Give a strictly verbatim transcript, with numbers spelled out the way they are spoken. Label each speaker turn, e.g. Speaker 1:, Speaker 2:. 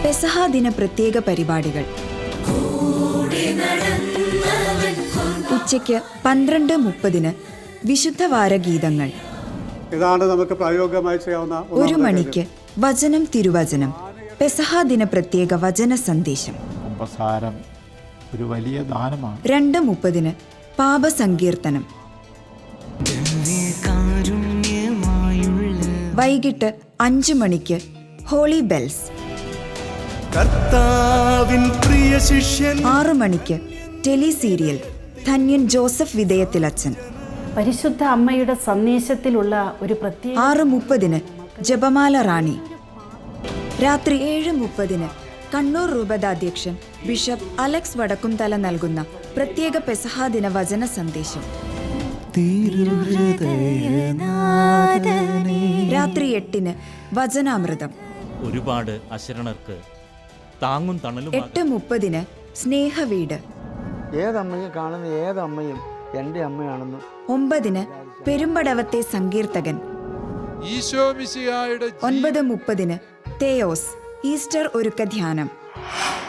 Speaker 1: പെസഹ ദിന പ്രത്യേക പരിപാടികൾ ഉച്ചയ്ക്ക് പന്ത്രണ്ട് മുപ്പതിന് വിശുദ്ധ വാരഗീതങ്ങൾ.
Speaker 2: ഇതാണ് നമുക്ക് പ്രായോഗികമായി ചെയ്യാവുന്ന.
Speaker 1: ഒരു മണിക്ക് വചനം തിരുവചനം, പെസഹ ദിന പ്രത്യേക വചന സന്ദേശം.
Speaker 3: കുമ്പസാരം ഒരു വലിയ ദാനമാണ്.
Speaker 1: രണ്ട് മുപ്പതിന് പാപസങ്കീർത്തനം. വൈകിട്ട് അഞ്ചു മണിക്ക് ഹോളി ബെൽസ്. ആറു മണിക്ക് ടെലി സീരിയൽ ധന്യൻ ജോസഫ് വിധേയത്തിലച്ചൻ.
Speaker 4: പരിശുദ്ധ അമ്മയുടെ സന്ദേശത്തിലുള്ള ഒരു പ്രത്യേക.
Speaker 1: ആറ് മുപ്പതിന് ജപമാല റാണി. രാത്രി ഏഴ് മുപ്പതിന് കണ്ണൂർ രൂപതാധ്യക്ഷൻ ബിഷപ്പ് അലക്സ് വടക്കുംതല നൽകുന്ന പ്രത്യേക പെസഹ ദിന വചന സന്ദേശം. രാത്രി എട്ടിന് വചനാമൃതം.
Speaker 5: ഒരുപാട് അശരണർക്ക് താങ്ങും തണലും.
Speaker 1: എട്ട് മുപ്പതിന് സ്നേഹവീട്.
Speaker 6: ഏതമ്മയും കാണുന്ന ഏതമ്മയും എൻ്റെ അമ്മയാണെന്ന്.
Speaker 1: ഒമ്പതിന് പെരുമ്പടവത്തെ സങ്കീർത്തകൻ. ഒൻപത് മുപ്പതിന് തേയോസ് ഈസ്റ്റർ ഒരുക്ക ധ്യാനം.